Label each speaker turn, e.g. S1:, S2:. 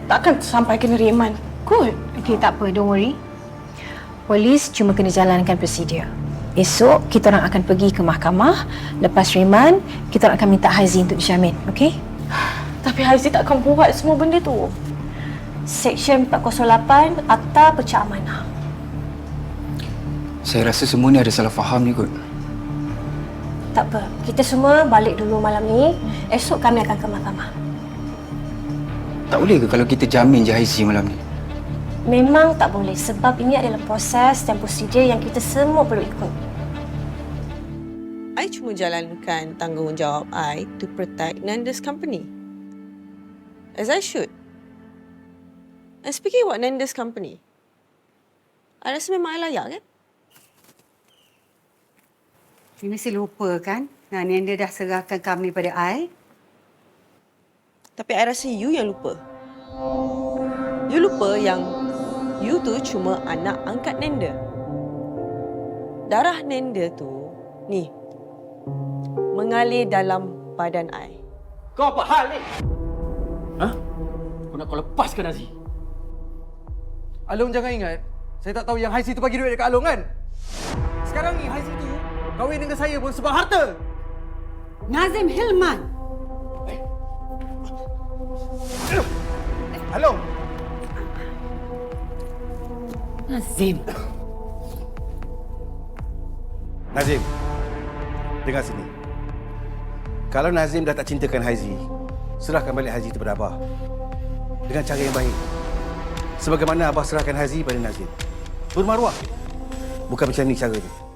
S1: takkan sampai kena reman. Kot.
S2: Okey, tak apa, don't worry. Polis cuma kena jalankan prosedur. Esok kita orang akan pergi ke mahkamah. Lepas reman, kita orang akan minta Haizi untuk dijamin, okey?
S1: Tapi Haizi takkan buat semua benda tu. Seksyen 408 Akta Pecah Amanah.
S3: Saya rasa semua ni ada salah faham ni kot.
S1: Tak apa, kita semua balik dulu malam ni. Esok kami akan ke mahkamah.
S3: Tak boleh ke kalau kita jamin je Haizi malam ni?
S1: Memang tak boleh sebab ini adalah proses dan prosedur yang kita semua perlu ikut.
S4: I cuma jalankan tanggungjawab I to protect Nanda's company. As I should. And speaking about Nanda's company, I rasa memang I layak kan?
S5: You mesti lupa kan? Nanda dah serahkan company pada I.
S4: Tapi I rasa you yang lupa. You lupa yang you tu cuma anak angkat Nanda. Darah Nanda tu, ni, mengalir dalam badan I.
S6: Kau apa hal ni? Ha? Kau nak kau lepaskan Aziz?
S7: Along jangan ingat, saya tak tahu yang Haizi tu bagi duit dekat Along kan? Sekarang ni Haizi tu kahwin dengan saya pun sebab harta.
S5: Nazim Hilman.
S7: Along.
S5: Nazim.
S8: Nazim, dengar sini. Kalau Nazim dah tak cintakan Haizi, serahkan balik Haizi kepada Abah. Dengan cara yang baik. Sebagaimana Abah serahkan Haizi pada Nazim. Bermaruah. Bukan macam ni cara dia.